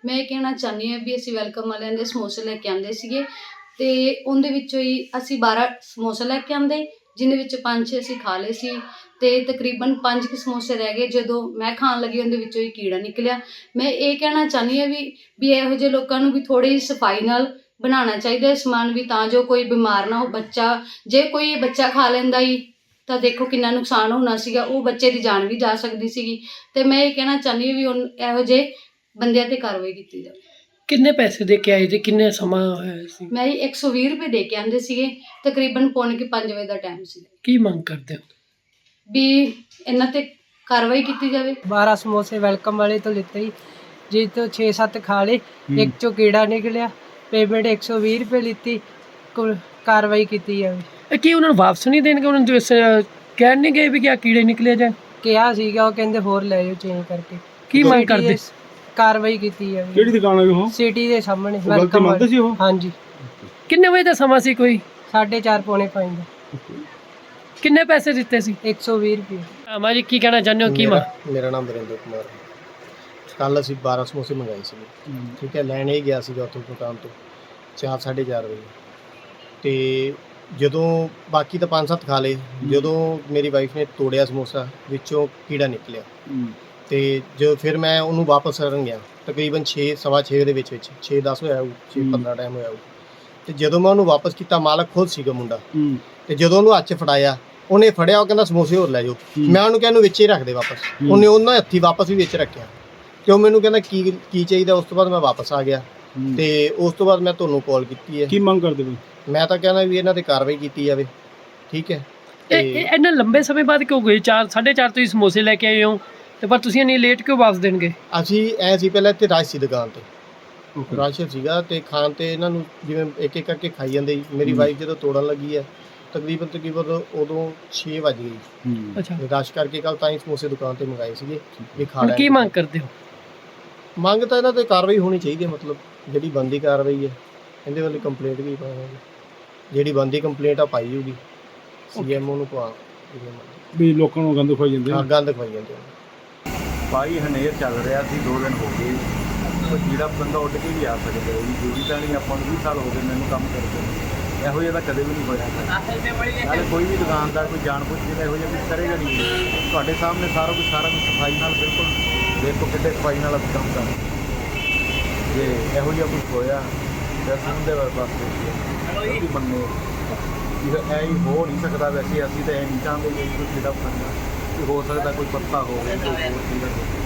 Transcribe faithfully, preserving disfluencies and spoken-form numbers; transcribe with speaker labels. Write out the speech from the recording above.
Speaker 1: मैं ये कहना चाहती हाँ भी असीं वैलकम वालियां दे समोसे लैके आंदे सीगे ते उहदे विचों ही असीं बारह समोसे लैके आंदे, जिन्हें विच पंज छे असीं खा लए सी ते तकरीबन पंज क समोसे रह गए। जदों मैं खाण लगी उहदे विचों ही कीड़ा निकलिया। मैं ये कहना चाहती हाँ भी भी इहो जिहे लोकां नूं भी थोड़ी सफाई नाल बनाना चाहिए समान भी, तां जो कोई बीमार ना हो। बच्चा जे कोई बच्चा खा लैंदा ही तो देखो कितना नुकसान होना सीगा, वो बच्चे की जान भी जा सकती सीगी। ते मैं ये कहना चाहती भी हुण इहो जिहे बंदियां ते कार्रवाई कीती जावे।
Speaker 2: किन्ने पैसे दे के आए थे, किन्ने समा होया सी?
Speaker 1: मैं एक सौ बीस रुपये दे के आंदे सीगे, तकरीबन पौने के पांच बजे का टाइम सी।
Speaker 2: की मंग करते हो
Speaker 1: भी इन्हां ते कार्रवाई की जाए।
Speaker 3: बारह समोसे वेलकम वाले तो लेते ही जी, तो छे सत्त खा ले, एक चो कीड़ा निकलिया, पेमेंट एक सौ बीस रुपये लीती, कार्रवाई की जाए।
Speaker 2: की उन्होंने वापस नहीं देंगे? उन्होंने कह नहीं गए भी क्या कीड़े निकले जाए?
Speaker 3: ਕਿਹਾ ਸੀਗਾ, ਉਹ ਕਹਿੰਦੇ ਹੋਰ ਲੈ ਜਾਓ ਚੇਂਜ ਕਰਕੇ।
Speaker 2: ਕੀ ਮੰਗ ਕਰਦੇ?
Speaker 3: ਕਾਰਵਾਈ ਕੀਤੀ ਜਾਵੇ।
Speaker 4: ਕਿਹੜੀ ਦੁਕਾਨ ਹੈ ਉਹ?
Speaker 3: ਸਿਟੀ ਦੇ ਸਾਹਮਣੇ
Speaker 4: ਵੈਲਕਮ ਮੰਨਦੇ ਸੀ ਉਹ?
Speaker 3: ਹਾਂਜੀ।
Speaker 2: ਕਿੰਨੇ ਵਜੇ ਦਾ ਸਮਾਂ ਸੀ? ਕੋਈ
Speaker 3: ਸਾਢੇ ਚਾਰ ਪੌਣੇ ਪੰਜ ਦਾ।
Speaker 2: ਕਿੰਨੇ ਪੈਸੇ ਦਿੱਤੇ ਸੀ?
Speaker 3: एक सौ बीस रुपये।
Speaker 2: ਅਮਾ ਜੀ ਕੀ ਕਹਿਣਾ ਚਾਹੁੰਦੇ ਹੋ? ਕੀ ਮਾ
Speaker 5: ਮੇਰਾ ਨਾਮ ਵਰਿੰਦਰ ਕੁਮਾਰ ਹੈ। ਕੱਲ੍ਹ ਅਸੀਂ ਬਾਰ੍ਹਾਂ ਸਮੋਸੇ ਮੰਗਾਏ ਸੀ, ਠੀਕ ਹੈ। ਲੈਣ ਹੀ ਗਿਆ ਸੀਗਾ ਉੱਥੋਂ ਦੁਕਾਨ ਤੋਂ ਚਾਰ ਸਾਢੇ ਚਾਰ ਵਜੇ, ਅਤੇ ਜਦੋਂ ਬਾਕੀ ਤਾਂ ਪੰਜ ਸੱਤ ਖਾ ਲਏ, ਜਦੋਂ ਮੇਰੀ ਵਾਈਫ ਨੇ ਤੋੜਿਆ ਸਮੋਸਾ ਵਿੱਚੋਂ ਕੀੜਾ ਨਿਕਲਿਆ, ਅਤੇ ਜੋ ਫਿਰ ਮੈਂ ਉਹਨੂੰ ਵਾਪਸ ਕਰਨ ਗਿਆ ਤਕਰੀਬਨ ਛੇ ਸਵਾ ਛੇ ਦੇ ਵਿੱਚ ਵਿੱਚ ਛੇ ਦਸ ਹੋਇਆ ਹੋਊ, ਛੇ ਪੰਦਰਾਂ ਟਾਈਮ ਹੋਇਆ ਹੋਊ। ਅਤੇ ਜਦੋਂ ਮੈਂ ਉਹਨੂੰ ਵਾਪਸ ਕੀਤਾ, ਮਾਲਕ ਖੁਦ ਸੀਗਾ ਮੁੰਡਾ, ਅਤੇ ਜਦੋਂ ਉਹਨੂੰ ਹੱਥ 'ਚ ਫੜਾਇਆ, ਉਹਨੇ ਫੜਿਆ, ਉਹ ਕਹਿੰਦਾ ਸਮੋਸੇ ਹੋਰ ਲੈ ਜਾਓ। ਮੈਂ ਉਹਨੂੰ ਕਿਹਾ ਇਹਨੂੰ ਵਿੱਚ ਹੀ ਰੱਖ ਦੇ ਵਾਪਸ, ਉਹਨੇ ਉਹਨਾਂ ਹੱਥੀਂ ਵਾਪਸ ਵੀ ਵਿੱਚ ਰੱਖਿਆ, ਅਤੇ ਉਹ ਮੈਨੂੰ ਕਹਿੰਦਾ ਕੀ ਕੀ ਚਾਹੀਦਾ। ਉਸ ਤੋਂ ਬਾਅਦ ਮੈਂ ਵਾਪਸ ਆ ਗਿਆ, ਅਤੇ ਉਸ ਤੋਂ ਬਾਅਦ ਮੈਂ ਤੁਹਾਨੂੰ ਕਾਲ ਕੀਤੀ ਹੈ।
Speaker 4: ਕੀ ਮੰਗ ਕਰਦੇ ਹੋ?
Speaker 5: ਮੈਂ ਤਾਂ ਕਹਿੰਦਾ ਵੀ ਇਹਨਾਂ 'ਤੇ ਕਾਰਵਾਈ ਕੀਤੀ ਜਾਵੇ, ਠੀਕ ਹੈ।
Speaker 2: ਇਹ ਇੰਨਾ ਲੰਬੇ ਸਮੇਂ ਬਾਅਦ ਕਿਉਂ ਗਏ? ਚਾਰ ਸਾਢੇ ਚਾਰ ਤੁਸੀਂ ਸਮੋਸੇ ਲੈ ਕੇ ਆਏ ਹੋ, ਤੇ ਪਰ ਤੁਸੀਂ ਇੰਨੀ ਲੇਟ ਕਿਉਂ ਵਾਪਸ ਦੇਣਗੇ?
Speaker 5: ਅਸੀਂ ਐ ਸੀ ਪਹਿਲਾਂ ਇੱਥੇ ਰਸ਼ ਸੀ ਦੁਕਾਨ 'ਤੇ, ਰਸ਼ ਸੀਗਾ, ਅਤੇ ਖਾਣ 'ਤੇ ਇਹਨਾਂ ਨੂੰ ਜਿਵੇਂ ਇੱਕ ਇੱਕ ਕਰਕੇ ਖਾਈ ਜਾਂਦੇ ਸੀ। ਮੇਰੀ ਵਾਈਫ ਜਦੋਂ ਤੋੜਨ ਲੱਗੀ ਹੈ ਤਕਰੀਬਨ ਤਕਰੀਬਨ ਉਦੋਂ ਛੇ ਵੱਜ ਗਏ।
Speaker 2: ਅੱਛਾ,
Speaker 5: ਰਸ਼ ਕਰਕੇ ਕੱਲ੍ਹ ਤਾਂ ਹੀ ਸਮੋਸੇ ਦੁਕਾਨ 'ਤੇ ਮੰਗਾਏ ਸੀਗੇ ਵੀ ਖਾ
Speaker 2: ਹੁਣ
Speaker 5: ਲੈ।
Speaker 2: ਕੀ ਮੰਗ ਕਰਦੇ ਹੋ?
Speaker 5: ਮੰਗ ਤਾਂ ਇਹਨਾਂ 'ਤੇ ਕਾਰਵਾਈ ਹੋਣੀ ਚਾਹੀਦੀ ਹੈ, ਮਤਲਬ ਜਿਹੜੀ ਬਣਦੀ ਕਾਰਵਾਈ ਹੈ। ਇਹਦੇ ਵੱਲ ਕੰਪਲੇਂਟ ਵੀ ਪਾਵਾਂਗੇ, ਜਿਹੜੀ ਬਣਦੀ ਕੰਪਲੇਂਟ ਆ ਪਾਈ ਜਾਊਗੀ, ਸੀ ਐਮ ਓ ਨੂੰ ਪਾ
Speaker 4: ਵੀ ਲੋਕਾਂ ਨੂੰ ਗੰਦ ਖਵਾਈ ਜਾਂਦੇ
Speaker 5: ਹਾਂ, ਗੰਦ ਖਵਾਈ ਜਾਂਦੇ ਨੇ।
Speaker 6: ਭਾਈ ਹਨੇਰ ਚੱਲ ਰਿਹਾ ਸੀ, ਦੋ ਦਿਨ ਹੋ ਗਏ, ਉਹ ਜਿਹੜਾ ਬੰਦਾ ਉੱਡ ਕੇ ਵੀ ਆ ਸਕਦਾ ਹੈ। ਜਿਹੜੀ ਤਾਂ ਨਹੀਂ, ਆਪਾਂ ਨੂੰ ਵੀਹ ਸਾਲ ਹੋ ਗਏ ਮੈਨੂੰ ਕੰਮ ਕਰਦੇ ਨੂੰ, ਇਹੋ ਜਿਹਾ ਤਾਂ ਕਦੇ ਵੀ ਨਹੀਂ ਹੋਇਆ। ਨਾਲੇ ਕੋਈ ਵੀ ਦੁਕਾਨਦਾਰ ਕੋਈ ਜਾਣ ਬੁੱਝ ਕੇ ਇਹੋ ਜਿਹਾ ਕੁਛ ਕਰੇਗਾ ਨਹੀਂ। ਤੁਹਾਡੇ ਸਾਹਮਣੇ ਸਾਰਾ ਕੁਝ ਸਾਰਾ ਕੁਝ ਸਫਾਈ ਨਾਲ, ਬਿਲਕੁਲ ਦੇਖੋ ਕਿੱਡੇ ਸਫਾਈ ਨਾਲ ਅਸੀਂ ਕੰਮ ਕਰਦੇ। ਜੇ ਇਹੋ ਜਿਹਾ ਕੁਛ ਹੋਇਆ ਤਾਂ ਸੁਣਦੇ ਵਾਸਤੇ ਵੀ ਮੰਨੇ ਇਹ ਐ ਹੀ ਹੋ ਨਹੀਂ ਸਕਦਾ। ਵੈਸੇ ਅਸੀਂ ਤਾਂ ਇਹ ਨਹੀਂ ਚਾਹੁੰਦੇ ਕਿ ਕੋਈ ਜਿਹੜਾ ਕਰਨਾ ਹੋ ਸਕਦਾ, ਕੋਈ ਪੱਤਾ ਹੋਵੇ, ਕੋਈ ਹੋਰ ਚੀਜ਼